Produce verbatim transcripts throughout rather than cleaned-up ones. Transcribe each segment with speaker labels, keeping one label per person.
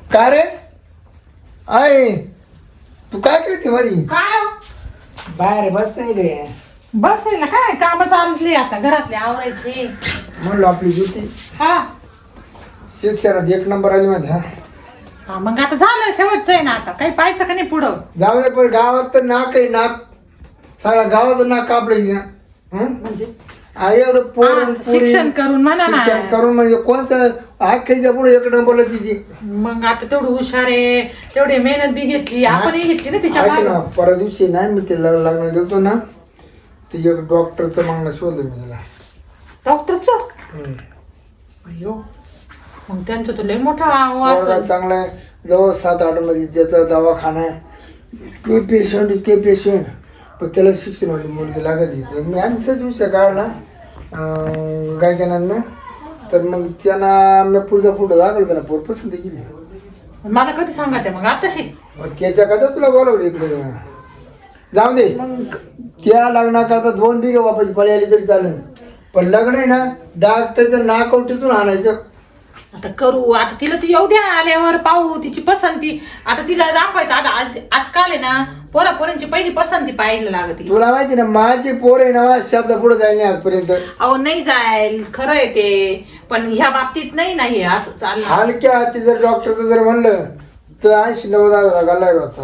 Speaker 1: का रे आय तू काय करते मधी?
Speaker 2: काय
Speaker 1: बाहेर बस नाही रे.
Speaker 2: बस ना काय काम चालली आता घरातले आवरायचे.
Speaker 1: म्हणलो आपली ज्योती
Speaker 2: हा
Speaker 1: शिक्षणात एक नंबर आली मध्ये. हा
Speaker 2: हा, मग आता झालं शेवटचं आहे ना, आता काही पाहायचं का नाही पुढं.
Speaker 1: जाऊ दे, पण गावात तर नाक आहे नाक, सगळ्या गावाचं नाक कापलं.
Speaker 2: म्हणजे
Speaker 1: एवढं पोर
Speaker 2: हा, शिक्षण करून म्हणा ना.
Speaker 1: शिक्षण करून म्हणजे कोणतं आखेच्या पुढे एक नंबरला तिची.
Speaker 2: मग आता तेवढं हुशार आहे, तेवढी मेहनत बी घेतली, आपणही घेतली ना तिच्या
Speaker 1: ऐक
Speaker 2: मागे.
Speaker 1: ना, परवा दिवशी नाही मी ते लग्न गेलतो ना, ते एक डॉक्टरचं मागणं शोधलं मी त्याला.
Speaker 2: डॉक्टरचं
Speaker 1: हम्म.
Speaker 2: अयो, मग त्यांचं तर लय मोठा आवाज
Speaker 1: पोरगा चांगला आहे, जवळ सात आठ मध्ये त्याचा दवाखाना आहे, इतके पेशंट इतके पेशंट, पण त्याला शिक्षण वाली मुलगी लागत होती. मी आम्ही सहज विषय काढला गायकांना, तर मग त्यांना मी पुढचा फोटो दाखवला, त्यांना पोर पसंत केली.
Speaker 2: मला कधी सांगा ते मग आताशी.
Speaker 1: मग त्याच्या करता तुला बोलावलं इकडे. जाऊ दे,
Speaker 2: मग
Speaker 1: त्या लग्नाकरता दोन बिघे वापस पळी आली तरी चालेल, पण लग्न आहे ना डॉक्टरचं नाकवटीतून आणायचं.
Speaker 2: आता करू, आता तिला ती येऊ द्या, आल्यावर पाहू तिची पसंती. आता तिला दाखवायचं. आता आज आजकाल आहे ना पोरा पोरांची पहिली पसंती पाहायला लागते.
Speaker 1: तुला माहिती ना माझी पोर आहे ना शब्द पुढे जाईल नाही आजपर्यंत.
Speaker 2: अहो नाही जाईल, खरं आहे ते, पण ह्या बाबतीत नाही नाही असं चाललं.
Speaker 1: हलक्या हाती जर डॉक्टरचं जर म्हणलं तर ऐंशी नव्वद हजार घालाय वाचा.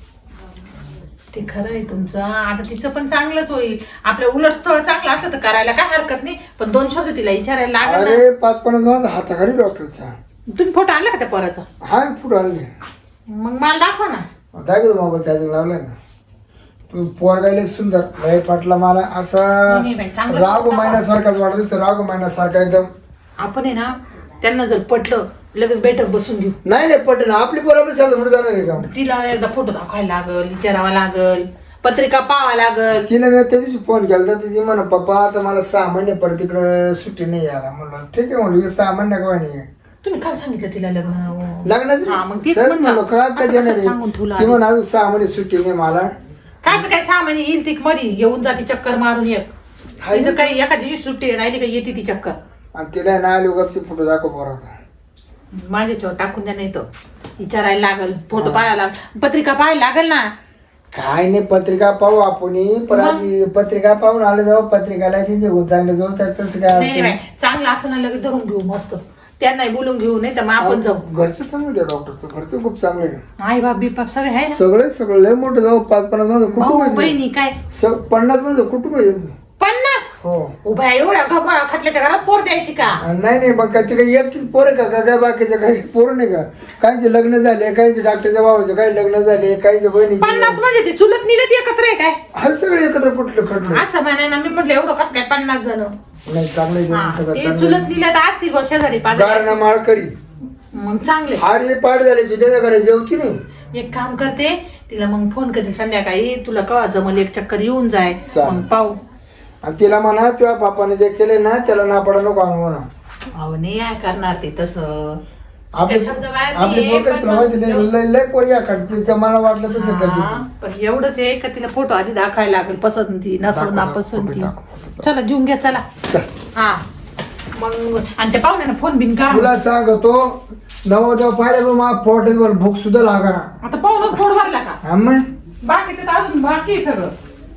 Speaker 2: ते खरं आहे तुमचं. आता तिचं पण चांगलंच होईल. आपलं उलट स्थळ चांगलं असलं तर करायला काय हरकत नाही, पण दोन शब्द तिला विचारायला लागेल ना.
Speaker 1: अरे पाच पन्नास माझा हाताखाली डॉक्टरचा.
Speaker 2: तुम्ही फोटो आणला का त्या पोराचा?
Speaker 1: हा फोटो आणले.
Speaker 2: मग मला दाखवा ना.
Speaker 1: दाखवतो मोबाईल चार्जिंग लावलाय ना. तू पोरगायला सुंदर लय पाटला मला असा
Speaker 2: नाही बाई, चांगलं
Speaker 1: रागो
Speaker 2: दाखवा.
Speaker 1: महिन्यासारखाच वाटत दिसतो, रागो महिन्यासारखा एकदम.
Speaker 2: आपण आहे ना त्यांना जर पटलं लगेच बैठक बसून घेऊ.
Speaker 1: नाही नाही पटेल आपली पोर आपली शब्द पुढे जाणार आहे का?
Speaker 2: तिला एकदा फोटो दाखवायला लागल, विचारावा लागल, पत्रिका पाहावा लागल.
Speaker 1: तिला मी त्या दिवशी फोन केला तर ती म्हणा पप्पा आता मला सहा महिने परत तिकडं सुट्टी नाही यायला. म्हणलं ठीक आहे, म्हणलं सहा महिने काय नाही.
Speaker 2: तुम्ही काल सांगितलं तिला लग्न हा, मग
Speaker 1: लग्नाचं
Speaker 2: तेच
Speaker 1: सर
Speaker 2: म्हणलं.
Speaker 1: म्हणलो काय
Speaker 2: असं
Speaker 1: काय
Speaker 2: कसं
Speaker 1: देणार
Speaker 2: सांगून ठेवलं
Speaker 1: ती
Speaker 2: आधी?
Speaker 1: म्हणा अजून सहा महिने सुट्टी नाही मला.
Speaker 2: कायच काय सामान्य येईल ती मध्ये घेऊन जाती चक्कर मारून येत.
Speaker 1: हाय.
Speaker 2: तिचं काही एका दिवशी सुट्टी राहिली का येते ती चक्कर.
Speaker 1: आणि तिला ना आली उगाच फोटो दाखव पोराचा.
Speaker 2: माझ्याच्यावर टाकून द्या, नाही तर विचारायला लागल, फोटो पाहायला लागल, पत्रिका पाहायला लागल ना.
Speaker 1: काय नाही पत्रिका पाहू आपण, पण
Speaker 2: मग?
Speaker 1: आधी पत्रिका पाहून आले जाऊ पत्रिकाला त्यांचे चांगले जवळ तसं काय
Speaker 2: नाही बाई,
Speaker 1: वाटतं.
Speaker 2: चांगलं असं ना लगेच धरून घेऊ मस्त. त्यांनाही बोलून घेऊ, नाही तर मग आपण जाऊ.
Speaker 1: घरचं चांगलं त्या डॉक्टरचं घरचं खूप चांगलं आहे.
Speaker 2: आई बाप बिपाप सगळे आहे ना.
Speaker 1: सगळं सगळं लय मोठं जाऊ पाच पन्नास माझं कुटुंब
Speaker 2: भाऊ
Speaker 1: आहे.
Speaker 2: बहिणी काय
Speaker 1: स- पन्नास माझं कुटुंब आहे.
Speaker 2: पन्नास
Speaker 1: हो
Speaker 2: उभ्या एवढ्या घमा खटल्याच्या घरात पोर द्यायची का?
Speaker 1: आणि नाही नाही मग काय ते काही एकटीच पोरं का काय बाकीचे काही पोरं नाही का? काहींचे लग्न झाले, काहींचे डॉक्टरच्या भावाचे काही लग्न झाले, काहीचे बहिणीचे.
Speaker 2: पन्नास म्हणजे ते चुलत निलत एकत्र आहे काय?
Speaker 1: हा सगळे एकत्र कुठलं खटलं.
Speaker 2: असं म्हणाय ना, मी म्हटलं एवढं कसं काय पन्नास जण.
Speaker 1: नाही चांगलं आहे त्यांचं सगळं
Speaker 2: ते
Speaker 1: चांगलं
Speaker 2: चुलत
Speaker 1: आहे.
Speaker 2: निलत असतील बा शेजारी पाजारी.
Speaker 1: गारणा माळकरी
Speaker 2: मग चांगले.
Speaker 1: हार हे पाठ झाले त्याच्या घरी जेवती नाही.
Speaker 2: एक काम करते, तिला मग फोन करते संध्याकाळी, तुला कवा जमल एक चक्कर येऊन जाय,
Speaker 1: चालेल.
Speaker 2: मग पाहू.
Speaker 1: आणि तिला म्हणा तुझ्या बापाने जे केले ना त्याला ना पडा नको आणू म्हणा.
Speaker 2: अहो नाही काय करणार ते तसं.
Speaker 1: आपली
Speaker 2: त्या शब्द बाहेर
Speaker 1: आपली
Speaker 2: नाही,
Speaker 1: पोरं
Speaker 2: पण
Speaker 1: तुला माहिती नाही
Speaker 2: मग-
Speaker 1: लय लय पोरी आखडते त्या मला वाटलं तसं करते
Speaker 2: हा,
Speaker 1: ती.
Speaker 2: पण एवढंच आहे का तिला फोटो आधी दाखवायला लागेल, पसंती नसो
Speaker 1: दाखव,
Speaker 2: ना
Speaker 1: दाखव,
Speaker 2: पसंती.
Speaker 1: दाखव, दाखव.
Speaker 2: चला जेऊन घ्या चला.
Speaker 1: चल.
Speaker 2: हा मग आणि त्या पाहुण्यानं फोन बिन करा.
Speaker 1: तुला सांगतो नवदेव पाहिजे पण मला पोटावर भूक सुद्धा लागा.
Speaker 2: आता पाहुणच पोट भरला का?
Speaker 1: हा मग
Speaker 2: बाकीचं तर अजून बाकी आहे सगळं.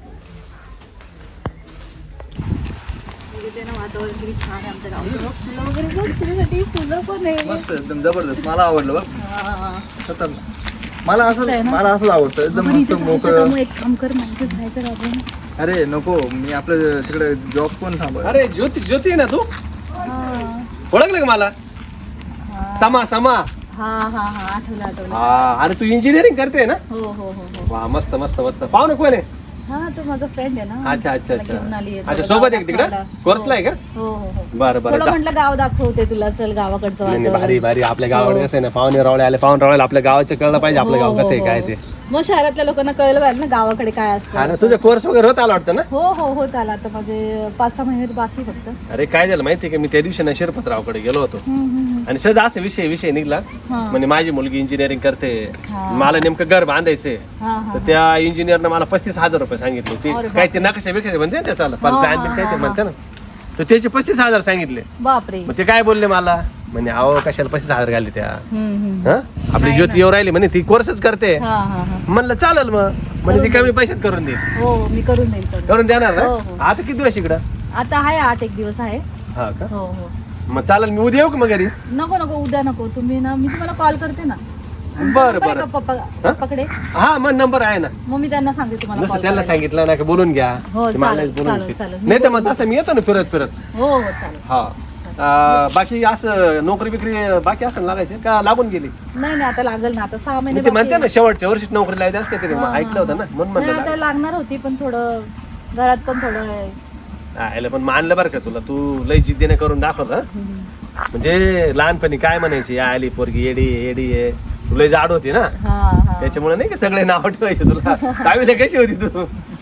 Speaker 3: मस्त एकदम जबरदस्त मला आवडलं बघ. खतरनाक. मला असं मला असंच आवडतं एकदम मस्त मोकळं.
Speaker 4: एक काम कर माहिती जायचं राहून.
Speaker 3: अरे नको मी आपलं तिकडे जॉब कोण थांब.
Speaker 5: अरे ज्योती ज्योती आहे ना तू? ओळखलं का मला? समा समा.
Speaker 4: हा हा हा आठवलं आठवलं.
Speaker 5: हा अरे तू इंजिनिअरिंग करते ना?
Speaker 4: हो हो हो हो.
Speaker 5: वा मस्त मस्त मस्त. पाहू ना कोण आहे?
Speaker 4: हा तो माझा फ्रेंड आहे ना.
Speaker 5: अच्छा अच्छा
Speaker 4: मला घेऊन
Speaker 5: अच्छा
Speaker 4: आलीये.
Speaker 5: अच्छा
Speaker 4: थोडं
Speaker 5: सोबत
Speaker 4: गाव
Speaker 5: आहे तिकडे
Speaker 4: दाखवायला.
Speaker 5: कोर्सला आहे का?
Speaker 4: हो हो हो.
Speaker 5: बरं बरं
Speaker 4: थोडं
Speaker 5: जा.
Speaker 4: म्हटलं गाव दाखवते तुला, चल गावाकडचं
Speaker 5: नाही नाही, भारी
Speaker 4: वातावरण.
Speaker 5: भारी आपल्या गावाकडे कसं आहे ना, पाहुणे रावळे आले पाहुणे रावळे आपल्या गावाचे कळलं पाहिजे आपलं
Speaker 4: हो,
Speaker 5: गाव कसं आहे
Speaker 4: हो,
Speaker 5: काय
Speaker 4: हो.
Speaker 5: ते.
Speaker 4: मग शहरातल्या लोकांना कळलं पाहिजे ना गावाकडे काय
Speaker 5: हा
Speaker 4: असतं.
Speaker 5: ना तुझा कोर्स वगैरे होत आला वाटतं ना?
Speaker 4: हो हो हो चाल आता माझे पाच सहा महिने बाकी फक्त.
Speaker 5: अरे काय झालं माहितीये का, मी त्या दिवशी ना शिरपतरावकडे गेलो होतो
Speaker 4: हम्म, हम्म,
Speaker 5: आणि सहज असा विषय विषय निघला.
Speaker 4: हा.
Speaker 5: म्हणजे माझी मुलगी इंजिनिअरिंग करते,
Speaker 4: हा.
Speaker 5: मला नेमकं घर बांधायचंय.
Speaker 4: हा हा
Speaker 5: तर त्या इंजिनियरनं मला पस्तीस हजार रुपये सांगितले. ते
Speaker 4: अरे
Speaker 5: काय ते नकाशा बिकाशा म्हणते ना त्याचा
Speaker 4: हा,
Speaker 5: प्लॅन
Speaker 4: हा,
Speaker 5: काय ते
Speaker 4: हा,
Speaker 5: म्हणते ना, तर त्याचे पस्तीस हजार सांगितले.
Speaker 4: बापरे.
Speaker 5: मग ते काय बोलले मला, म्हणे अहो कशाला पैसे हजार घालले त्या
Speaker 4: हम्म, हम्म.
Speaker 5: हा आपली ज्योती येऊ राहिली म्हणे ती कोर्सच करते
Speaker 4: हा हा हा
Speaker 5: म्हणलं चालेल मग म्हणजे ती कमी पैशात करून देईल
Speaker 4: हो मी करून देईल करून
Speaker 5: करून देणार
Speaker 4: हो,
Speaker 5: ना
Speaker 4: हो.
Speaker 5: आता किती दिवस इकडं
Speaker 4: आता आहे आठ एक दिवस आहे
Speaker 5: हा का
Speaker 4: हो हो
Speaker 5: मग चालेल मी उद्या येऊ का मग घरी
Speaker 4: नको नको उद्या नको तुम्ही ना मी तुम्हाला कॉल करते ना
Speaker 5: बरं
Speaker 4: नंबर आहे
Speaker 5: बरं
Speaker 4: का पप्पा पप्पाकडे
Speaker 5: हा मग नंबर आहे ना
Speaker 4: मग मी त्यांना सांगते तुम्हाला
Speaker 5: नुसतं
Speaker 4: कॉल
Speaker 5: त्यांना
Speaker 4: करायला.
Speaker 5: सांगितलं ना की बोलून घ्या
Speaker 4: हो,
Speaker 5: ते मला
Speaker 4: चालेल,
Speaker 5: बोलून
Speaker 4: चालेल,
Speaker 5: घेतील.
Speaker 4: चालेल. मी
Speaker 5: नाही तर मग
Speaker 4: बोलून
Speaker 5: तसं मी येतो ना फिरत फिरत
Speaker 4: हो हो चालेल
Speaker 5: हा अं, बाकी असं नोकरी बिकरी बाकी असं लागायचे का लागून गेली
Speaker 4: नाही नाही आता लागल ना आता सहा महिने
Speaker 5: ते म्हणते
Speaker 4: बाकी
Speaker 5: ना शेवटच्या वर्षीच नोकरी लावायची असते तरी
Speaker 4: हा,
Speaker 5: ऐकलं होतं ना म्हणून
Speaker 4: नाही,
Speaker 5: म्हणलं
Speaker 4: आता लागणार होती पण थोडं घरात पण थोडं
Speaker 5: आयला पण मानलं बरं का तुला तू लय जिद्दीने करून दाखवत हं?
Speaker 4: हम्म.
Speaker 5: म्हणजे लहानपणी काय म्हणायची या आली पोरगी येडी येडी आहे तू लय जाड होती ना
Speaker 4: हा हा
Speaker 5: त्याच्यामुळे नाही का सगळे नाव ठेवायचे तुला दहावीला कशी होती तू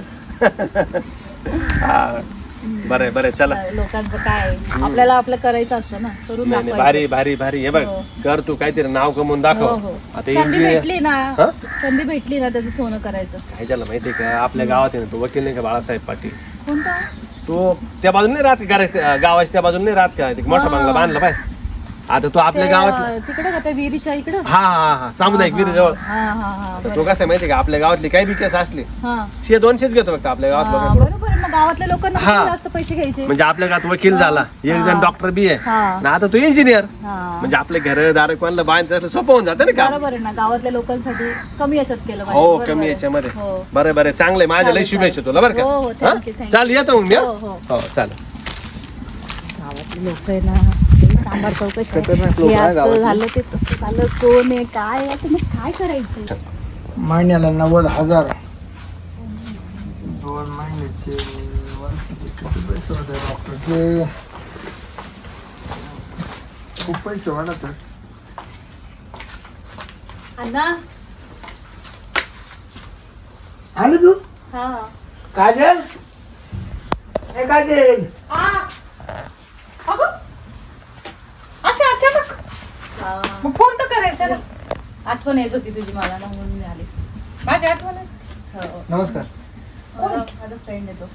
Speaker 5: हा बरं बरं चला
Speaker 4: लोकांचं काय आपल्याला आपलं करायचं असतं ना करून
Speaker 5: नाही नाही,
Speaker 4: दाखवायचं.
Speaker 5: भारी भारी भारी हे बघ
Speaker 4: हो.
Speaker 5: कर तू काहीतरी नाव कमवून
Speaker 4: हो
Speaker 5: दाखव
Speaker 4: हो
Speaker 5: आता
Speaker 4: संधी
Speaker 5: engineer-
Speaker 4: भेटली ना
Speaker 5: हा?
Speaker 4: संधी भेटली ना त्याचं सोनं करायचं
Speaker 5: काय झालं माहितीये का आपल्या गावात आहे ना तो वकील नाही का बाळासाहेब पाटील
Speaker 4: कोणता
Speaker 5: तो त्या बाजूने नाही राहत करायचं गावाच्या त्या बाजूने नाही राहत का ते मोठा
Speaker 4: हा.
Speaker 5: बंगला बांधला पाय आता तो आपल्या
Speaker 4: ते,
Speaker 5: गावात
Speaker 4: अं, तिकडे का त्या विहिरीच्या इकडं
Speaker 5: हा हा हा सामुदायिक विहिरी जवळ
Speaker 4: हा हा हा
Speaker 5: तर तो कसं आहे माहितीये का आपल्या गावातली काही बी केस असली
Speaker 4: हा
Speaker 5: शे दोनशेच घेतो फक्त आपल्या गावात
Speaker 4: हा,
Speaker 5: लोकांकडून
Speaker 4: बरोबर आहे. मग गावातल्या लोकांना
Speaker 5: हा.
Speaker 4: किती जास्त पैसे घ्यायचे
Speaker 5: म्हणजे आपल्या गावात वकील झाला एक जण
Speaker 4: हा.
Speaker 5: डॉक्टर बी आहे
Speaker 4: हा
Speaker 5: आणि आता तो इंजिनियर
Speaker 4: हा
Speaker 5: म्हणजे आपले घर दार कोणाला बांधायचं असलं सोपं होऊन जातं ना काम
Speaker 4: बरोबर आहे ना गावातल्या लोकांसाठी कमी याच्यात केलं पाहिजे.
Speaker 5: हो
Speaker 4: बरोबर
Speaker 5: कमी
Speaker 4: आहे.
Speaker 5: याच्यामध्ये
Speaker 4: हो
Speaker 5: बरं बरं चांगलंय माझ्या लय
Speaker 4: चालेल,
Speaker 5: शुभेच्छा
Speaker 4: चालेल.
Speaker 5: तुला बरं
Speaker 4: हो, हो,
Speaker 5: का
Speaker 4: thank you,
Speaker 5: हा?
Speaker 4: thank you.
Speaker 5: चाल येतो मग मी
Speaker 4: हो,
Speaker 5: हा?
Speaker 4: हो.
Speaker 5: हो चालेल
Speaker 4: गावातले लोक आहे ना ते सांबार चौकशी आहे.
Speaker 3: खतरनाक लोकं
Speaker 4: हे
Speaker 3: आहे
Speaker 4: असं
Speaker 3: गावातले.
Speaker 4: झालं ते तसं झालं कोण आहे काय आहे आता मग काय करायचं
Speaker 1: महिन्याला नव्वद हजार दोन महिन्याचे वर्षाचे किती पैसे होते डॉक्टरचे खूप पैसे वाढतात
Speaker 4: अण्णा
Speaker 1: आले तू
Speaker 4: हा
Speaker 1: काजल ए काजल
Speaker 2: आ, अगं अशा अचानक
Speaker 4: हा.
Speaker 2: मग फोन तर करायचा ना
Speaker 4: आठवण येत होती तुझी मला ना म्हणून मी आले
Speaker 2: माझी आठवण आहे.
Speaker 4: हो.
Speaker 3: नमस्कार
Speaker 4: माझा माझा फ्रेंड येतो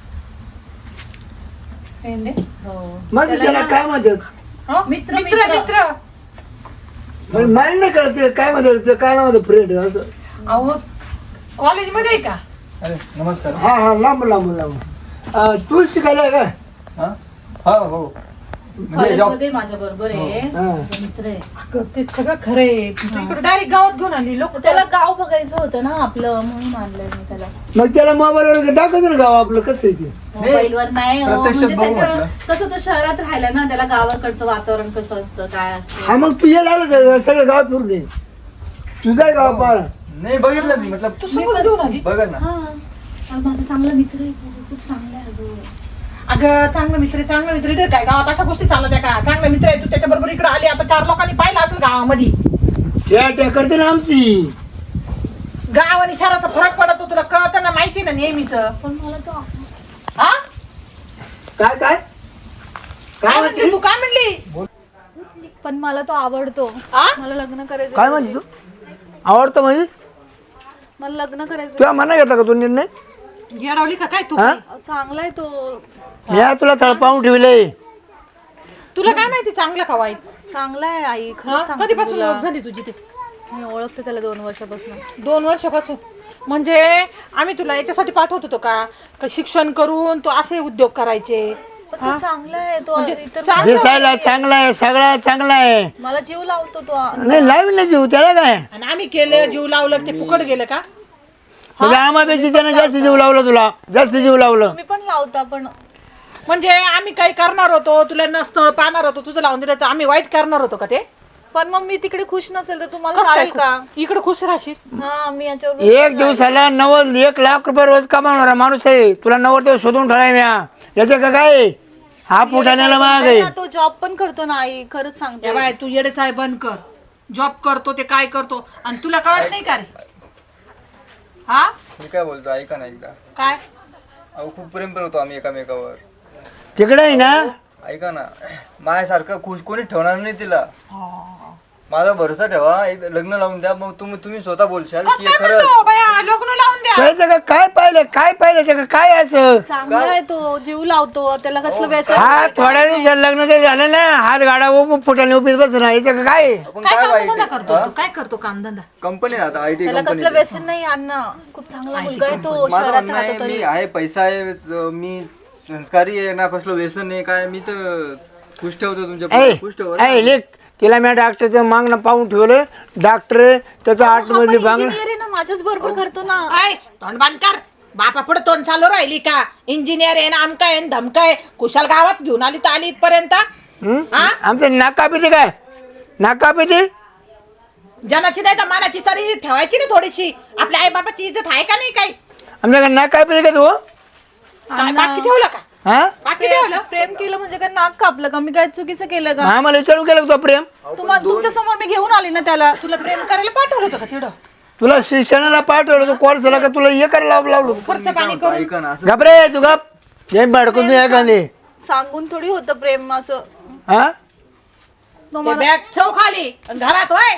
Speaker 2: फ्रेंड आहे.
Speaker 4: हो
Speaker 1: म्हणजे त्याला
Speaker 4: ना-
Speaker 1: काय म्हणतात
Speaker 2: हो?
Speaker 4: मित्र,
Speaker 2: मित्र
Speaker 4: मित्र.
Speaker 2: मित्र
Speaker 1: म्हणजे मला नाही कळत ते काय म्हणतात ते काय नाव फ्रेंड असं
Speaker 2: अहो कॉलेजमध्ये आहे का
Speaker 3: अरे नमस्कार
Speaker 1: हा हा लांब लांब लांब अं, तू शिकायला आहे का
Speaker 3: हा हा हो म्हणजे जॉब
Speaker 4: कॉलेजमध्ये माझ्या बरोबर आहे
Speaker 1: हा.
Speaker 4: माझा मित्र आहे
Speaker 2: अगं, ते सगळं खरंय तू इकडे डायरेक्ट गावात घेऊन आली लोक
Speaker 4: त्याला गाव बघायचं होतं ना आपलं म्हणून आणलंय मी त्याला
Speaker 1: मग त्याला मोबाईलवर दाखवतो ना गाव आपलं कसं आहे ते
Speaker 4: मोबाईलवर नाही हो,
Speaker 3: प्रत्यक्षात
Speaker 4: म्हणजे
Speaker 3: बघू
Speaker 4: त्याचं
Speaker 3: म्हटलं.
Speaker 4: कसं तो शहरात राहिला ना त्याला गावाकडचं वातावरण कसं असतं काय असतं
Speaker 1: हा मग तू यायला आलं सगळं गाव फिरून ये तुझा गाव पाहा
Speaker 3: नाही बघितलं मी मतलब
Speaker 2: तू समज घेऊन आली
Speaker 3: बघा ना
Speaker 4: हा अगं, माझा चांगला मित्र आहे खूप चांगला आहे अगं.
Speaker 2: अगं चांगला मित्र आहे, चांगला मित्र आहे. काय गावात अशा गोष्टी चालत आहे का चांगला मित्र आहे तू त्याच्या बरोबर इकडे आली आता चार लोकांनी पाहिलं असेल गावामध्ये
Speaker 1: त्या त्या करते ना आमची
Speaker 2: गाव आणि शहराचा फरक पडतो तुला कळतं ना माहिती ना नेहमीच
Speaker 4: पण मला तो
Speaker 2: हा
Speaker 1: काय काय
Speaker 2: काय
Speaker 1: काय
Speaker 2: म्हणते
Speaker 1: म्हणते
Speaker 2: तू काय म्हणली
Speaker 4: पण मला तो आवडतो
Speaker 2: आ?
Speaker 4: मला लग्न करायचं
Speaker 1: काय म्हणते तू आवडतं म्हणजे
Speaker 4: मला लग्न करायचं
Speaker 1: तुला मना घेतला का तू निर्णय
Speaker 2: गेडावली का काय तू
Speaker 1: हा
Speaker 4: चांगला आहे तो
Speaker 1: मी आज तुला तळपावून ठेवलंय
Speaker 2: तुला काय माहिती चांगलं का वाईट
Speaker 4: चांगला आहे आई
Speaker 2: हा?
Speaker 4: खरंच सांगते
Speaker 2: कधीपासून
Speaker 4: तुला.
Speaker 2: ओळख झाली तुझी ते
Speaker 4: मी ओळखते त्याला दोन वर्षापासून
Speaker 2: दोन वर्षापासून म्हणजे आम्ही तुला याच्यासाठी पाठवत होतो का का शिक्षण करून तू असे उद्योग करायचे
Speaker 4: पण तो चांगला आहे तो
Speaker 2: म्हणजे
Speaker 4: इतर
Speaker 2: चांगलं
Speaker 1: दिसायला चांगला आहे सगळा चांगला आहे
Speaker 4: मला जीव लावतो तो
Speaker 1: नाही लावीन नाही जीव त्याला काय
Speaker 2: आणि आम्ही केलं जीव लावलं ते फुकट गेलं का
Speaker 1: म्हणजे आम्हापेक्षा त्यानं जास्त जीव लावलं तुला जास्त जीव लावलं
Speaker 4: मी पण लावता पण
Speaker 2: म्हणजे आम्ही काही करणार होतो तुला नसतं पाहणार होतो तुझं लावून दिलं तर आम्ही वाईट करणार होतो का ते
Speaker 4: पण मग मी तिकडे खुश नसेल तर तुम्हाला चालेल का
Speaker 2: इकडे खुश राहशील
Speaker 4: हा मी याच्यावर
Speaker 1: एक दिवसाला नव्वद एक लाख रुपये रोज कमावणारा माणूस आहे तुला नव्वद दिवस शोधून ठेवाय म्या याचं का काय हा पुठाण्याला माग आहे
Speaker 4: ना, तो जॉब पण करतो ना आई खरंच सांगते
Speaker 2: बाय तू येडेच आहे बंद कर जॉब करतो ते काय करतो आणि तुला कळत नाही का रे हा
Speaker 3: मी काय बोलतो ऐका ना एकदा
Speaker 2: काय
Speaker 3: अहो खूप प्रेम करतो आम्ही एकामेकावर
Speaker 1: तिकडे आहे ना
Speaker 3: ऐका ना माझ्यासारखं खुश कोणी ठेवणार नाही तिला माझा भरोसा ठेवा, एक लग्न लावून द्या, मग तुम्ही तुम्ही स्वतः बोलशाल
Speaker 2: कसं
Speaker 3: की
Speaker 2: काय
Speaker 3: खरंच
Speaker 2: म्हणतो बाया, लग्न लावून द्या.
Speaker 1: त्याचं का काय पाहिलं काय पाहिलं त्याचं काय असं
Speaker 4: चांगला आहे तो, जीव लावतो, त्याला कसलं व्यसन
Speaker 1: हा
Speaker 4: नाही, काय
Speaker 1: थोड्या दिवसात लग्न ते झालं ना हात गाडा फुटाने उभीच बस ना याचं का काय
Speaker 3: आपण
Speaker 2: काय
Speaker 3: काय
Speaker 2: कामधंदा
Speaker 3: वाईट
Speaker 2: करतो तू? काय करतो कामधंदा?
Speaker 3: कंपनी आता आय टी
Speaker 4: त्याला
Speaker 3: कंपनी
Speaker 4: कसलं व्यसन नाही अण्णा, खूप चांगला मुलगा आहे तो,
Speaker 3: माझं
Speaker 4: शहरात
Speaker 3: म्हणणं
Speaker 4: राहतो
Speaker 3: आहे
Speaker 4: तरी.
Speaker 3: मी आहे, पैसा आहे, ज- मी संस्कारी आहे ना, कसलं व्यसन आहे काय, मी तर खुश ठेवतो तुमच्या
Speaker 1: ऐ
Speaker 3: पुढे, खुश ठेवतो
Speaker 1: ऐ लेख तिला मी डॉक्टरचं मागणं पाहून ठेवलं. डॉक्टर त्याचा आठ
Speaker 4: हा
Speaker 1: मध्ये
Speaker 4: पण
Speaker 1: बांगला
Speaker 4: engineer आहे ना, माझ्याच बरोबर करतो ना.
Speaker 2: ऐ तोंड बांध कर. बापा पुढे तोंड चालू राहिली का? इंजिनियर आहे ना, आमका आहे धमका आहे, कुशाल गावात घेऊन आली तर आली इथपर्यंत. हा?
Speaker 1: आमचं नाक कापिते काय नाक कापिते
Speaker 2: जनाची नाही तर मानाची तरी ठेवायची ना थोडीशी. आपल्या आई बाबाची इज्जत आहे का नाही काही?
Speaker 1: आमच्या नाक कापिते का तू
Speaker 2: काय बाकी ठेवलं का?
Speaker 1: हा
Speaker 2: बाकी ठेवलं?
Speaker 4: प्रेम केलं म्हणजे काय नाक कापलं का? मी काय चुकीचं केलं का?
Speaker 1: आम्हाला विचारून केलं का तो प्रेम
Speaker 4: तुम्हाला तुमच्या समोर मी घेऊन आली ना त्याला.
Speaker 2: तुला प्रेम करायला पाठवलं होतं का तिकडं?
Speaker 1: तुला शिक्षणाला पाठवलं तू कोर्स झाला का तुला हे करायला लाव- लावलं
Speaker 2: खर्च पाणी करून
Speaker 3: ऐका ना असं
Speaker 1: गप रे तू गप हे भडकून तू एखादी
Speaker 4: सांगून थोडी होतं प्रेम असं.
Speaker 1: हा
Speaker 2: ते बॅग ठेव खाली घरात होय.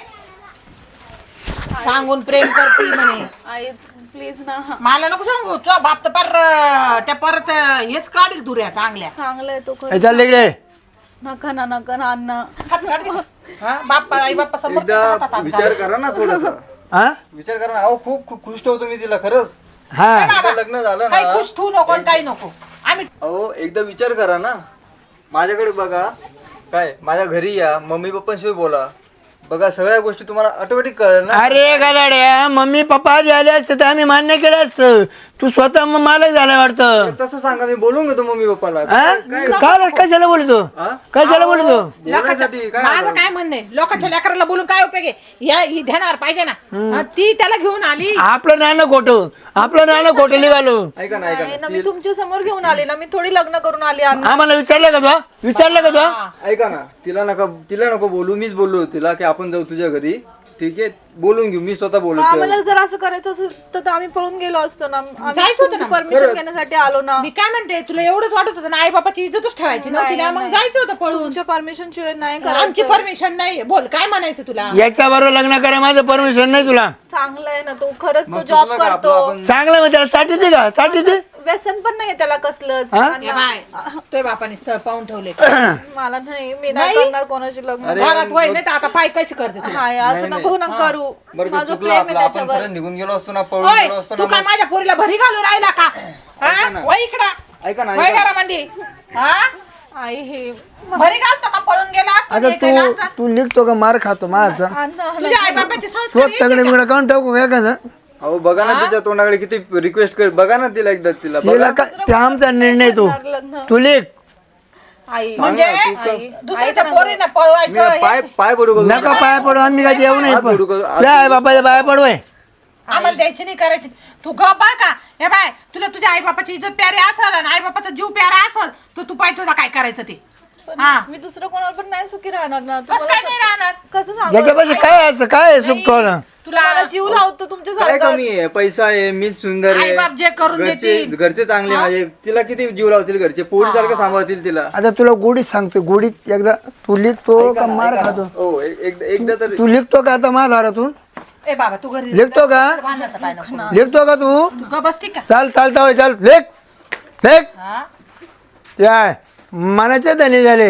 Speaker 2: सांगून प्रेम करती म्हणे.
Speaker 4: आई प्लीज ना.
Speaker 2: मला नको सांगू तुझा बाप तर पर त्या परच हेच काढील दुऱ्या चांगल्या.
Speaker 4: चांगला आहे तो खरं.
Speaker 1: हे चाल इकडे
Speaker 4: नका ना नका ना अण्णा.
Speaker 2: हात काढ की. हा बाप्पा आई बाप्पा समोर
Speaker 3: एकदा विचार करा ना थोडासा,
Speaker 1: हा
Speaker 3: विचार करा ना. अहो खूप खूप खुश ठेवतो मी तिला खरंच.
Speaker 1: हा
Speaker 3: एकदा लग्न झालं
Speaker 2: काही
Speaker 3: ना,
Speaker 2: खुश ठेवू नको आणि काही नको. आम्ही
Speaker 3: अहो एकदा विचार करा ना, माझ्याकडे बघा, काय माझ्या घरी या, मम्मी पप्पांशिवाय बोला, बघा सगळ्या गोष्टी तुम्हाला ऑटोमॅटिक कळेल ना.
Speaker 1: अरे गदाड्या मम्मी पप्पा आधी आले असते तर आम्ही मान्य केलं असतं. तू स्वतः मग मालक झाला वाटतं
Speaker 3: तसं सांगा, मी बोलून घेतो मम्मी पप्पाला.
Speaker 1: हा? काय कशाला बोलतो
Speaker 3: हा?
Speaker 1: कशाला बोलतो
Speaker 3: बोलण्यासाठी काय
Speaker 2: माझं
Speaker 3: आलं?
Speaker 2: काय म्हणणे लोकांच्या लेकराला बोलून काय उपयोग आहे? या ही ध्यानावर पाहिजे ना. हा, ती त्याला घेऊन आली.
Speaker 1: आपलं नाणं खोटं आपलं नाणं खोटं निघालो.
Speaker 3: ऐका ना, ऐका
Speaker 4: नाही
Speaker 3: ना,
Speaker 4: ना, मी तुमच्या समोर घेऊन आले ना, मी थोडी लग्न करून आली अण्णा.
Speaker 1: आम्हाला विचारलं का तू विचारलं का तू
Speaker 3: ऐका ना, तिला नका तिला नको बोलू, मीच बोललो तिला की आपण जाऊ तुझ्या घरी, ठीक आहे, बोलून घेऊ, मी स्वतः बोलू.
Speaker 4: आम्हाला जर असं करायचं असेल तर आम्ही पळून गेलो असतो ना.
Speaker 2: जायचं होतं ना.
Speaker 4: परमिशन घेण्यासाठी आलो ना.
Speaker 2: मी काय म्हणते तुला एवढंच वाटत होतं ना आई बाबाची इज्जतच ठेवायची नव्हती ना, मग जायचं होतं पळून.
Speaker 4: तुमच्या परमिशन शिवाय नाही
Speaker 2: आमची
Speaker 4: करायचं.
Speaker 2: परमिशन नाही. बोल काय म्हणायचं तुला?
Speaker 1: याच्या बरोबर लग्न करा माझं परमिशन नाही तुला.
Speaker 4: चांगला आहे ना तो, खरंच तो
Speaker 3: मग
Speaker 4: जॉब
Speaker 3: चुकलं का
Speaker 4: करतो.
Speaker 3: आपलं? आपण
Speaker 1: चांगलं मग त्याला साठी दे का साठी दे
Speaker 4: व्यसन पण नाहीये त्याला कसलंच.
Speaker 1: हा?
Speaker 2: ए बाय तुझ्या बापाने स्थळ पाहून ठेवले.
Speaker 4: मला नाही, मी नाही करणार कोणाची लग्न.
Speaker 3: अरे,
Speaker 2: घरात वय नाही तर आता पाय कशी करते तुला?
Speaker 4: हाय असं नको ना करू.
Speaker 3: बरं का,
Speaker 4: माझं
Speaker 3: चुकलं
Speaker 4: प्रेम आहे
Speaker 3: आपलं, आपण
Speaker 4: त्याच्यावर.
Speaker 3: खरं निघून गेलो असतो ना, पळून
Speaker 2: ओय,
Speaker 3: गेलो असतो
Speaker 2: तू
Speaker 3: ना.
Speaker 2: काय
Speaker 3: मग-
Speaker 2: माझ्या पोरीला भरी घालून राहिला का? हा?
Speaker 3: ऐका ना.
Speaker 2: वय इकडं
Speaker 3: ऐका ना,
Speaker 2: वय
Speaker 3: ऐका ना.
Speaker 2: घरामध्ये. हा?
Speaker 4: आई हे
Speaker 2: भरी घालतो का पळून गेला असता
Speaker 1: आता
Speaker 2: हे केलं
Speaker 1: तू
Speaker 2: असतं?
Speaker 1: तू लिखतो का मार खातो माझा
Speaker 4: अण्णा
Speaker 2: तुझ्या आई बाबाचे
Speaker 1: तो
Speaker 2: संस्कार
Speaker 1: तगडे
Speaker 2: यायचे का?
Speaker 1: बिगडे काऊन टाकू का एखादं
Speaker 3: अहो बघा ना तिच्या तोंडाकडे किती रिक्वेस्ट कर, बघा ना तिला एकदा, तिला
Speaker 1: तिला
Speaker 3: बघा.
Speaker 1: का ते आमचा निर्णय तू
Speaker 4: लग्न.
Speaker 1: तू लिख
Speaker 4: आई
Speaker 2: म्हणजे
Speaker 4: आई
Speaker 2: दुसऱ्याच्या पोरीनं
Speaker 3: मी
Speaker 2: पळवायचं
Speaker 3: पाय
Speaker 2: हेच.
Speaker 3: पाय पडू का
Speaker 1: नका
Speaker 3: तुझ्या?
Speaker 1: पाया पडू आम्ही काय येऊ नाही
Speaker 3: हात जोडू का? हात
Speaker 1: काय बापाच्या पाया पडवाय
Speaker 2: आम्हाला द्यायची नाही करायची. तू ग बर का हे बाय तुला तुझ्या आई बापाची इज्जत प्यारी असेल आणि आई बापाचा जीव प्यारा असेल तर तू पाय तुला काय करायचं ते.
Speaker 4: पण
Speaker 2: हा.
Speaker 4: मी दुसरं कोणावर पण नाही सुखी राहणार ना.
Speaker 2: कसं काय नाही राहणार?
Speaker 4: कसं सांगू?
Speaker 1: ज्याच्यापाशी काय असं काय सुख ठेवलं
Speaker 2: तुला
Speaker 4: मला जीव लावतो तुमच्या
Speaker 3: काय
Speaker 4: सारखं.
Speaker 3: कमी आहे, पैसा आहे, मीच सुंदर आहे,
Speaker 2: आई-बाप जे करून
Speaker 3: घरचे
Speaker 2: देतील.
Speaker 3: घरचे चांगले माझे, तिला किती जीव लावतील घरचे, पोरी सारखं सांभाळतील तिला.
Speaker 1: आता तुला गोडीत सांगतो गोडीत एकदा तू लिखतो का मार खातो
Speaker 3: हो एक- एक- एकदा तर
Speaker 1: तू लिखतो का आता माझ्या दारातून
Speaker 2: ए बाबा तू घरी
Speaker 1: लिखतो का
Speaker 2: भांडणाचं काय नको.
Speaker 1: लिखतो का तू
Speaker 2: तू ग बसती का?
Speaker 1: चाल चालता होय चाल लेख लेख
Speaker 2: हा?
Speaker 1: काय मनाचे धनी झाले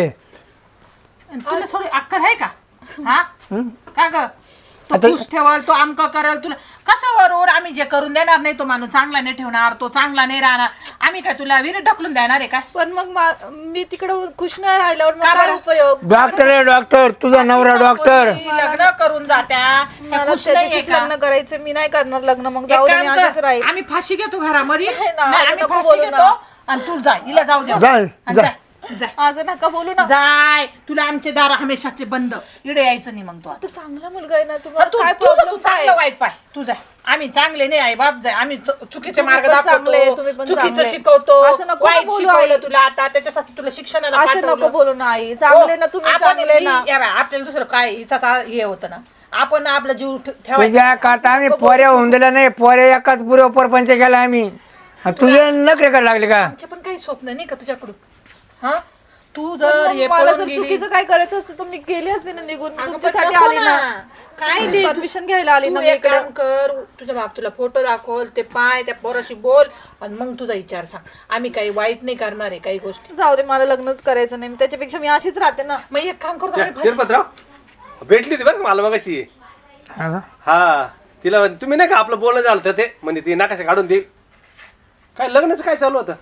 Speaker 2: आणि तुला थोडी अक्कल आहे का? हा का ग तो
Speaker 1: आता-
Speaker 2: खुश ठेवल तो आमक करल तुला कसं वरून आम्ही जे करून देणार नाही तो माणूस चांगला नाही ठेवणार तो चांगला नाही राहणार आम्ही काय तुला विहिरीत ढकलून देणार आहे काय?
Speaker 4: पण मग मा- मी तिकडं खुश नाही राहिल्यावर मग
Speaker 2: का
Speaker 4: काय
Speaker 2: बरं?
Speaker 4: उपयोग?
Speaker 1: डॉक्टर आहे डॉक्टर तुझा नवरा डॉक्टर
Speaker 2: पोरी लग्न करून जात्या त्या
Speaker 4: मला
Speaker 2: खुश नाहीये
Speaker 4: त्याच्याशीच
Speaker 2: का?
Speaker 4: लग्न करायचं, मी नाही करणार लग्न. मग
Speaker 2: एक
Speaker 4: जाऊ दे,
Speaker 2: काम
Speaker 4: मी
Speaker 2: कर,
Speaker 4: अशीच राहील.
Speaker 2: आम्ही फाशी घेतो घरामध्ये
Speaker 4: नाही ना,
Speaker 2: नाही,
Speaker 4: असं
Speaker 2: आम्ही
Speaker 4: नको
Speaker 2: फाशी
Speaker 4: बोलू ना.
Speaker 2: घेतो आणि तू जाय हिला जाऊ दे
Speaker 1: जाय,
Speaker 2: आणि
Speaker 1: जाय.
Speaker 2: जाय जाय.
Speaker 4: असं नका बोलू ना.
Speaker 2: जाय तुला आमचे दार हमेशाचे बंद इकडे यायचं नाही मग तू आता.
Speaker 4: तो चांगला मुलगा आहे ना.
Speaker 2: तर
Speaker 4: तुम्हाला
Speaker 2: तू
Speaker 4: काय
Speaker 2: तुझं तू
Speaker 4: प्रॉब्लेम
Speaker 2: चांगलं वाईट पाय तू जाय आम्ही चांगले नाही आई बाप जाय आम्ही चु- चुकीचे
Speaker 4: तुम्ही
Speaker 2: मार्ग
Speaker 4: पण चांगले,
Speaker 2: दाखवतो
Speaker 4: तुम्ही पण
Speaker 2: चुकीचं
Speaker 4: चांगले.
Speaker 2: शिकवतो
Speaker 4: असं नको ना
Speaker 2: वाईट
Speaker 4: बोलू
Speaker 2: शिकवलं
Speaker 4: आई.
Speaker 2: तुला आता त्याच्यासाठी तुला शिक्षणाला
Speaker 4: असं
Speaker 2: पाठवलं.
Speaker 4: नको बोलू ना आई. चांगले ना तुम्ही,
Speaker 2: आपण
Speaker 4: चांगले ना.
Speaker 2: या बाय, आपल्याला दुसरं काय हिचाच हे होतं ना आपण आपला जीव ठे- ठेवायचा
Speaker 1: तुझ्या काटा आम्ही पोऱ्या होऊन दिल्या नाही पोऱ्या एकाच पुरे परपंच केला आम्ही आणि तुझे नखरे करायला लागले का
Speaker 2: आमचे पण काही स्वप्न नाही का तुझ्याकडून हा तू जर हे
Speaker 4: मला
Speaker 2: पळून
Speaker 4: जर
Speaker 2: गेली-
Speaker 4: चुकीचं काय करायचं असतं तर मी गेली असते ना निघून
Speaker 2: अगं, पण
Speaker 4: तुमच्यासाठी
Speaker 2: नको
Speaker 4: आली ना
Speaker 2: काय दे
Speaker 4: परमिशन घ्यायला आली
Speaker 2: तू
Speaker 4: ना मी
Speaker 2: एक
Speaker 4: इकडे
Speaker 2: काम कर, तुझा बाप तुला फोटो दाखवल, ते पाय त्या पोराशी बोल आणि मग तुझा विचार सांग. आम्ही काही वाईट नाही करणार आहे काही गोष्टी.
Speaker 4: जाऊ दे मला लग्नच करायचं नाही त्याच्यापेक्षा मी अशीच राहते ना.
Speaker 2: मग एक काम करतो आम्ही फाशी-
Speaker 5: शिरपतराव भेटली होती बरं का मला मगाशी.
Speaker 1: हा का?
Speaker 5: हा तिला म्हणे, तुम्ही नाही का आपलं बोलणं झालं होतं ते म्हणजे ती नकाशा काढून देईल. काय लग्नाचं काय चालू होतं?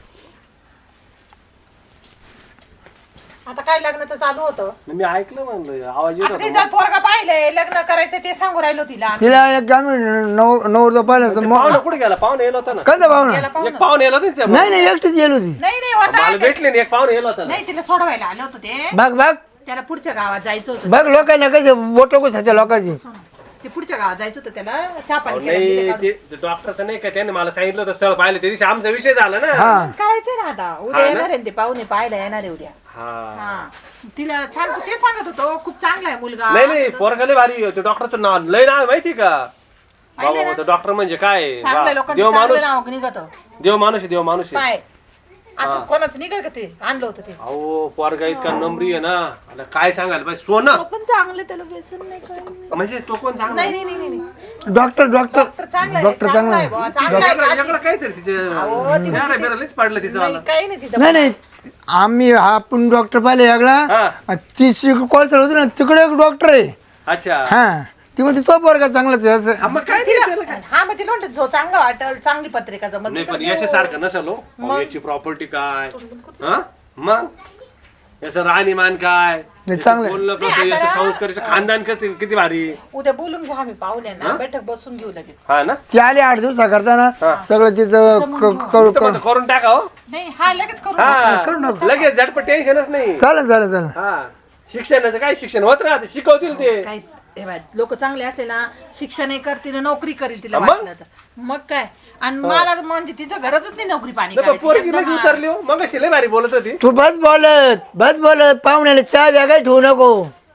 Speaker 2: आता काय लग्नाचं चालू होतं.
Speaker 5: मी ऐकलं म्हणलं आवाज येत
Speaker 2: आता
Speaker 5: होता.
Speaker 2: ते जर पोरगा पाहिलंय लग्न करायचं ते सांगू राहिलो तिला.
Speaker 1: तिला एक काम नऊ नऊ पाहिलं तर मग
Speaker 5: पाहुणा कुठे गेला? पाहुणे येला होता ना.
Speaker 1: कधी पाहुणा
Speaker 2: गेला पाहून.
Speaker 5: एक पाहुणे येला होता ना तिच्या.
Speaker 1: नाही नाही एकटीच येईल होती.
Speaker 2: नाही नाही होता
Speaker 5: मला भेटले नाही एक पाहुणे येला होता ना.
Speaker 2: नाही तिला सोडवायला आलं होतं ते.
Speaker 1: बघ बघ
Speaker 2: त्याला पुढच्या गावात जायचं होतं.
Speaker 1: बघ लोकांना कसे बोट कशाच्या लोकांची
Speaker 2: ते पुढच्या गावात जायचं होतं त्याला चहा
Speaker 5: अहो,
Speaker 2: पाणी केलं
Speaker 5: नाही
Speaker 2: तिथे काढून.
Speaker 5: ते डॉक्टरचं नाही का त्याने मला सांगितलं होतं स्थळ पाहिलं त्या दिवशी आमचा विषय झाला ना.
Speaker 1: हा
Speaker 2: करायचंय ना आता उद्या
Speaker 5: हा ना?
Speaker 2: येणार आहे ना ते पाहुणे पाहायला येणार आहे उद्या.
Speaker 5: हा
Speaker 2: हा तिला सांगतो ते सांगत होतो खूप चांगला आहे मुलगा.
Speaker 5: नाही नाही पोरगा लय भारी ते डॉक्टरचं नाव लय नाव आहे माहिती का?
Speaker 2: पाहिलं
Speaker 5: बाबा डॉक्टर म्हणजे काय
Speaker 2: चांगल्या
Speaker 5: वा,
Speaker 2: लोकांचं
Speaker 5: देव माणूस
Speaker 2: चांगलं नाव निघत
Speaker 5: देव माणूस आहे देव माणूस आहे.
Speaker 2: पाय असं कोणाचं निघल का ते आणलं होतं ते.
Speaker 5: अहो पोरगा इतका नम्री आहे ना आता काय सांगायला पाहिजे सोनं
Speaker 4: तो पण चांगले त्याला व्यसन नाही काय नाही.
Speaker 5: म्हणजे तो कोण चांगला
Speaker 2: नाही नाही नाही नाही
Speaker 1: डॉक्टर डॉक्टर
Speaker 2: डॉक्टर चांगला आहे
Speaker 1: डॉक्टर
Speaker 2: चांगला
Speaker 1: चांगला
Speaker 2: आहे
Speaker 1: आहे.
Speaker 2: बुवा, चांगला आहे.
Speaker 5: वेगळं वेगळं काहीतरी तिचे
Speaker 2: अहो, ती
Speaker 5: चेहरा बिरा लयच पाडलं तिचं
Speaker 2: नाही,
Speaker 5: मला.
Speaker 2: काही नाही तिथं.
Speaker 1: नाही नाही आम्ही आपण डॉक्टर पाहिले
Speaker 5: हा.
Speaker 1: यागला ती कोळसर होती ना तिकडे एक डॉक्टर आहे.
Speaker 5: अच्छा
Speaker 1: हा ती म्हणते तो पोरगा चांगलाच आहे असं.
Speaker 5: हा, मग काय ते त्याला काय?
Speaker 2: हा मग तिला म्हणते जो चांगला वाटेल चांगली पत्रिका जमत
Speaker 5: नाही पण याच्यासारखं नसेल हो. अहो, याची प्रॉपर्टी काय हा मग याचं राहणीमान काय
Speaker 1: नाही, चांगलं आहे.
Speaker 5: बोलणं कसं याचं संस्काराचं खानदान कसं किती भारी.
Speaker 2: उद्या बोलून घेऊ आम्ही पाहुण्यांना बैठक बसून घेऊ लगेच.
Speaker 5: हा ना
Speaker 1: ती आली आठ दिवसा करताना
Speaker 5: हा.
Speaker 1: सगळं तिचं क- क- करू
Speaker 5: तर म्हणतो करून टाका हो.
Speaker 2: नाही हा लगेच करू
Speaker 5: हा लगेच झटपट टेन्शनच नाही.
Speaker 1: चालेल चालेल चालेल
Speaker 5: हा शिक्षणाचं काय शिक्षण होत राहते शिकवतील ते.
Speaker 2: काय लोक चांगले असले ना शिक्षण करतील नोकरी करील तिला
Speaker 5: मग?
Speaker 2: वाटलं तर मग काय आणि मला म्हणजे तिचं गरजच नाही नोकरी पाणी
Speaker 5: नाही, पण
Speaker 2: करायची.
Speaker 5: पोरगी
Speaker 2: एकदम
Speaker 5: लयच उतरली हो मग लय भारी बोलत होती.
Speaker 1: तू बस बोलत बस बोलत पाहुण्याला चहा वेगळा ठेवू नको.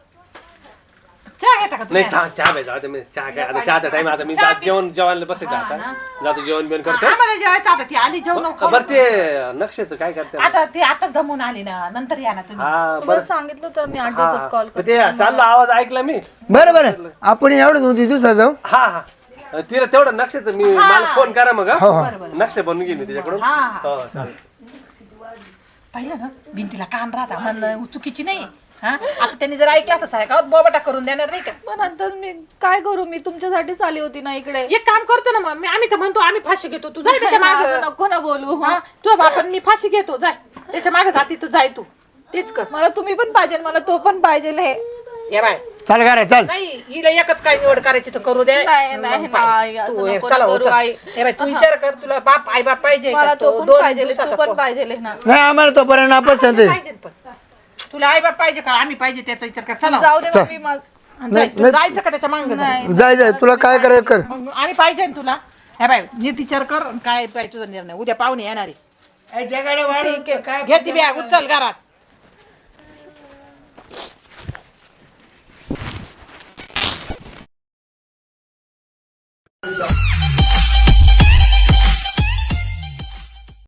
Speaker 2: चहा घेता का तुम्ही?
Speaker 5: नाही चहा चहा पाहिजे आता मी चहा काय आता चहाचा टाइम आता मी
Speaker 2: चहा
Speaker 5: जात जेवण जेवायला बसायचं
Speaker 2: हा
Speaker 5: आता
Speaker 2: ना.
Speaker 5: जातो जेवण बिवण
Speaker 2: हा,
Speaker 5: करतो.
Speaker 2: आम्हाला जेवायचं आता ती आली जेवण
Speaker 5: बरं ते नक्षेचं काय करते
Speaker 2: आता ती आता जमून आली ना नंतर या ना तुम्ही.
Speaker 5: हा
Speaker 4: तुम्हाला
Speaker 5: बरं
Speaker 4: सांगितलं तर मी आठ
Speaker 5: हा
Speaker 4: दिवसात कॉल
Speaker 5: पण ते चाललो आवाज ऐकला मी.
Speaker 1: बरं बरं आपण एवढं दोन तीन दिवसात जाऊ.
Speaker 5: हा हा तिला तेवढं नक्षेचं मी मला फोन करा मग
Speaker 1: हो
Speaker 5: हा.
Speaker 1: हो
Speaker 5: नक्षे बनवून घेईन मी तिच्याकडून
Speaker 2: हा, हा.
Speaker 5: हो चालेल.
Speaker 2: पाहिलं ना भिंतीला कान राहता म्हणणं चुकीची नाही. हा आता त्यांनी जर ऐकलं असं साय गावात बोबाटा करून देणार नाही का.
Speaker 4: पण नंतर मी काय करू मी तुमच्यासाठीच आली होती ना इकडे.
Speaker 2: एक काम करतो ना मग मी आम्ही तर म्हणतो आम्ही फाशी घेतो तू जाय त्याच्या
Speaker 4: असं
Speaker 2: मागे
Speaker 4: नको ना बोलू
Speaker 2: तुझ्या बापान मी फाशी घेतो जाय त्याच्या मागे जाती तू जाय तू तेच कर.
Speaker 4: मला तुम्ही पण पाहिजे मला तो पण पाहिजे हे
Speaker 2: ये बाय
Speaker 1: चाल करा चाल.
Speaker 2: नाही हिला एकच काय निवड करायची तर करू दे.
Speaker 4: नाही, नाही,
Speaker 2: मग पाय.
Speaker 4: नाही, असं
Speaker 2: तू हे
Speaker 4: नको
Speaker 2: चला
Speaker 4: करू,
Speaker 2: हो, चल.
Speaker 4: आई.
Speaker 2: हे बाय तू विचार कर तुला बाप आई बाप पाहिजे
Speaker 4: मला
Speaker 2: का?
Speaker 4: तो
Speaker 2: तो
Speaker 4: पण
Speaker 2: दोन
Speaker 4: पाहिजे
Speaker 2: दिवसाचा
Speaker 4: तो पण
Speaker 2: पो-
Speaker 4: पाहिजे ना.
Speaker 1: नाही आम्हाला तो पर्यंत नापसंत आहे.
Speaker 2: पाहिजे पण तुला आई बाप पाहिजे का आम्ही पाहिजे त्याचा विचार कर चला
Speaker 4: जाऊ दे मग मी माझ-
Speaker 2: जाय, तू जायचं का त्याच्या मांग
Speaker 4: नाही
Speaker 1: जाय जाय तुला काय करायचं कर.
Speaker 2: मग आणि पाहिजे ना तुला हे बाय नीट विचार कर आणि काय पाहिजे तुझा निर्णय उद्या पाहुणे येणार आहे.
Speaker 1: काय
Speaker 2: घे ती बॅग उचल घरात